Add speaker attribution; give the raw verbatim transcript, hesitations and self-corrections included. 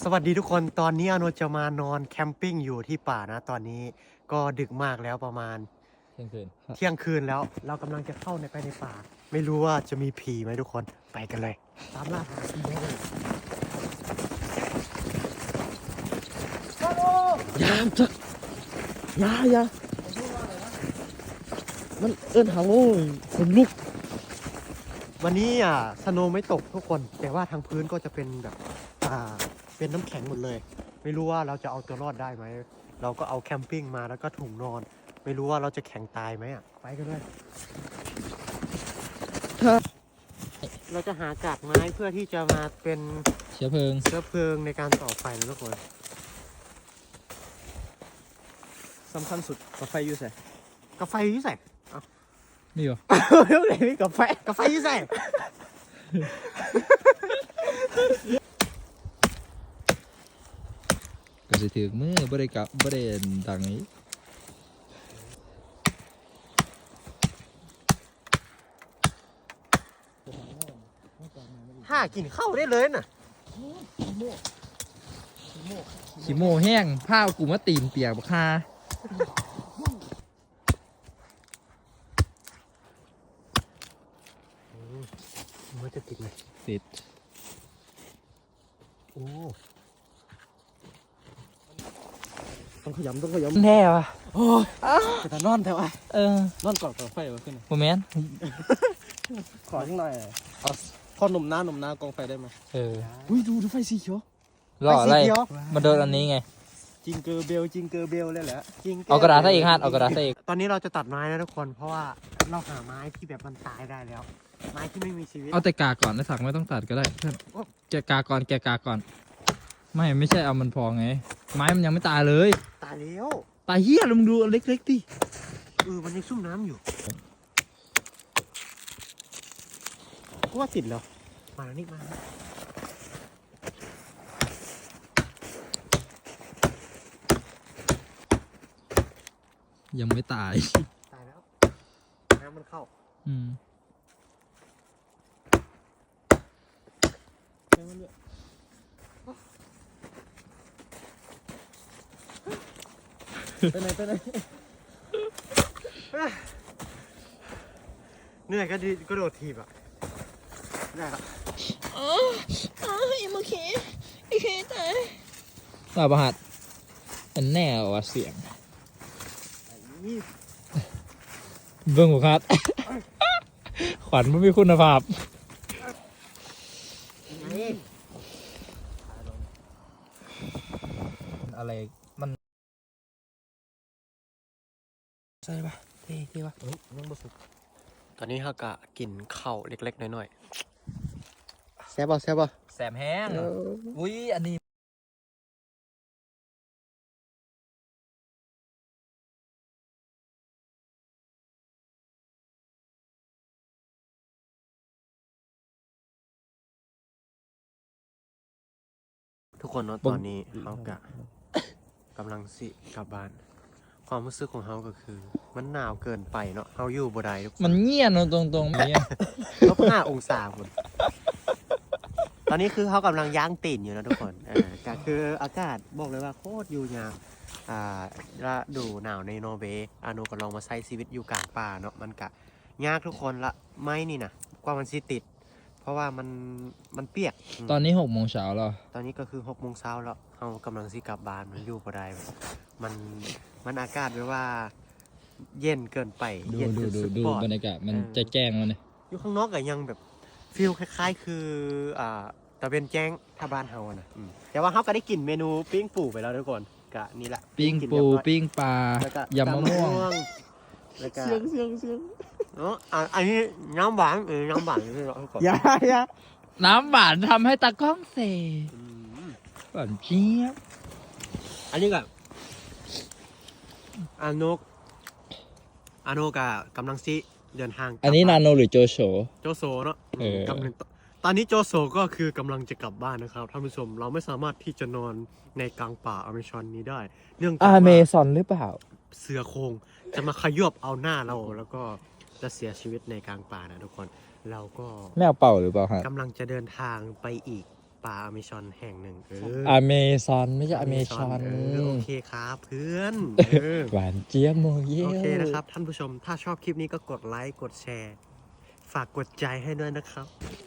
Speaker 1: สวัสดีทุกคนตอนนี้อโนจะมานอนแคมปิ้งอยู่ที่ป่านะตอนนี้ก็ดึกมากแล้วประมาณ
Speaker 2: เที่ยงคืน
Speaker 1: เที่ยงคืนแล้วเรากำลังจะเข้าในไปในป่าไม่รู้ว่าจะมีผีไหมทุกคนไปกันเลยตามล่าหาผีได้เลย
Speaker 2: ยามจักยายามันเอิ้นหาโง่คนลุก
Speaker 1: วันนี้อ่ะสโนว์ไม่ตกทุกคนแต่ว่าทางพื้นก็จะเป็นแบบอ่าเป็นน้ำแข็งหมดเลยไม่รู้ว่าเราจะเอาตัวรอดได้ไหมเราก็เอาแคมปิ้งมาแล้วก็ถุงนอนไม่รู้ว่าเราจะแข็งตายไหมอ่ะไปกันเลยเราจะหากากไม้เพื่อที่จะมาเป็น
Speaker 2: เชื้อเพลิง
Speaker 1: เชื้อเพลิงในการต่อไฟนะทุกคน
Speaker 3: สำคัญสุดกาแฟอยู่ใส่
Speaker 1: กาแฟยี่ใส่
Speaker 2: นี่เหรอ
Speaker 1: เรื่องไหนมีกาแฟกาแฟยี่ใส่
Speaker 2: ก็สิถือมือบริกะบริเวณดังนี้
Speaker 1: ห้ากินข้าวได้เลยน่ะ
Speaker 2: ขี้โม่แห้งผ้ากูมาตีนเปียกบักฮา
Speaker 1: มันจะติดไหม
Speaker 2: ติด
Speaker 1: โอ้
Speaker 3: ต้องขยำต้องขย
Speaker 2: แน่วะ
Speaker 3: ำโอ้ยแต่ถ้านอนแถวไอ้
Speaker 2: เออน
Speaker 3: อนก่อนกาแฟวะขึ้น
Speaker 2: โมแมน
Speaker 3: ขอข้างในเอาพอหนุ่มหน้าหนุ่มหน้ากองไฟได้ไหม
Speaker 2: เออ
Speaker 3: อุ้ยดูดูไฟสีเขียว
Speaker 2: รออะไรมาโดนอันนี้ไง
Speaker 3: จิงเกอร์เบลจิงเกอร์เบลเลยแหละ
Speaker 1: จริง
Speaker 2: เอากระดาษใส่อีกฮะเอากระดาษใส่อีก
Speaker 1: ตอนนี้เราจะตัดไม้นะทุกคนเพราะว่าเราหาไม้ที่แบบมันตายได้แล้ว ไม้ที่ไม่มีชีวิต
Speaker 2: เอาแต่กาก่อนนะสักไม่ต้องตัดก็ได้เพื่อนแกะกาก่อนแกะกาก่อนไม่ไม่ใช่เอามันพอไงไม้มันยังไม่ตายเลย
Speaker 1: ตายแล้ว
Speaker 2: ตายเหี้ยลุงดูอันเล็กๆดิ
Speaker 1: เออมันยังซุ่มน้ำอยู่กูว่าติดแล้วมาแล้วนี่มาแล้ว
Speaker 2: ยังไม่ตาย
Speaker 1: ตายแล้วน้ำมันเข้า
Speaker 2: อืม
Speaker 3: ไปไหนไปไหน
Speaker 1: เหนื่อยก็ดีก็โดดทีบอ่ะได้ละ
Speaker 4: อ๋ออ๋ออีโมเคอีเคตาย
Speaker 2: ตาประหัดมันแน่ว่าเสียง
Speaker 1: นี่
Speaker 2: เบิ้งหัวคัด ขวัญไม่มีคุณภาพ
Speaker 1: นี่
Speaker 2: อะไรมัน
Speaker 3: ใช่ปะ
Speaker 2: เท่เท่ปะ
Speaker 3: เฮ้ยยังบ่สุก
Speaker 1: ตอนนี้ฮากะกินข้าวเล็กๆน้อยๆแซ่บป่ะแซ่บป่ะ
Speaker 2: แสบแห้งอุ้ยอันนี้
Speaker 1: ทุกคนเนาะตอนนี้เฮากะกำลังสิกลับบ้าน ความรู้สึกของเฮาก็คือ มันหนาวเกินไปเนาะเฮาอยู่บ่ได้ทุกคน
Speaker 2: มันเงียบเนอะตรงตรงๆเงียบ
Speaker 1: ลบห้าองศาคนตอนนี้คือเขากำลังย่างตีนอยู่นะทุกคนเออก็คืออากาศบอกเลยว่าโคตรอยู่ยากอ่าฤดูหนาวในนอร์เวย์อาโนก็ลองมาใช้ชีวิตอยู่กลางป่าเนาะมันกะยากทุกคนละไม่นี่นะกว่ามันสิติด เพราะว่ามันมันเปียกม
Speaker 2: ตอนนี้หกโมงเช้าแล้ว
Speaker 1: ตอนนี้ก็คือหกโมงเช้าแล้วเขากำลังสิกลับบ้านมันอยู่บ่ได้มันมันอากาศแบบว่า เย็นเกินไป
Speaker 2: ดู
Speaker 1: เย็น
Speaker 2: ดู
Speaker 1: จน
Speaker 2: ดู
Speaker 1: สุด
Speaker 2: ดู
Speaker 1: ปอด
Speaker 2: บรรยากาศมัน
Speaker 1: เออ
Speaker 2: จะแจ้งแล้วเนี่ย
Speaker 1: อยู่ข้างนอกก็ยังแบบฟีลคล้ายๆ คืออ่าตะเวนแจ้งถ้าบ้านเฮาอะนะอืมแต่ว่าเฮาก็ได้กินเมนูปิ้งปูไปแล้วทุกคนกะนี่แหละ
Speaker 2: ปิ้ง
Speaker 1: กิน
Speaker 2: ปู
Speaker 1: เรียบร้อย
Speaker 2: ปิ้งปลา
Speaker 1: แล้วก็
Speaker 2: ยำมะม่วง
Speaker 1: แล้วก็
Speaker 3: เสียงเสียงเสียง
Speaker 1: เนาะอ่ะอันนี้น้ำหวานเออน้ำหวานที่เราทุกคน
Speaker 3: อย่าอย่า
Speaker 2: น้ำหวานทำให้ตากล้องเส
Speaker 1: อืม
Speaker 2: หวานเจี๊ยบ
Speaker 1: อันนี้ก็อานุกอานุกะกำลังซิเดินทางกลับ
Speaker 2: อันนี้นา
Speaker 1: บ้
Speaker 2: โนหรือโจโฉ
Speaker 1: โจโซเนาะ
Speaker 2: เออ
Speaker 1: กำลังตอนนี้โจโซก็คือกำลังจะกลับบ้านนะครับท่านผู้ชมเราไม่สามารถที่จะนอนในกลางป่าอเมซอนนี้ได้ เนื่องจาก
Speaker 2: อเม
Speaker 1: ว่า
Speaker 2: ซอนหรือเปล่า
Speaker 1: เสือโคร่งจะมาขยบเอาหน้าเราแล้วก็จะเสียชีวิตในกลางป่านะทุกคน เราก็
Speaker 2: แมวเป่าหรือเปล่าฮะ
Speaker 1: กำลังจะเดินทางไปอีกป่าอเมซอนแห่งหนึ่งเออ
Speaker 2: อเมซอนไม่ใช่อเมซอน
Speaker 1: เออโอเคครับเพื่อนเออ
Speaker 2: หวานเจี๊ยบโมเยล
Speaker 1: โอเคนะครับท่านผู้ชมถ้าชอบคลิปนี้ก็กดไลค์กดแชร์ ฝากกดใจให้ด้วยนะครับ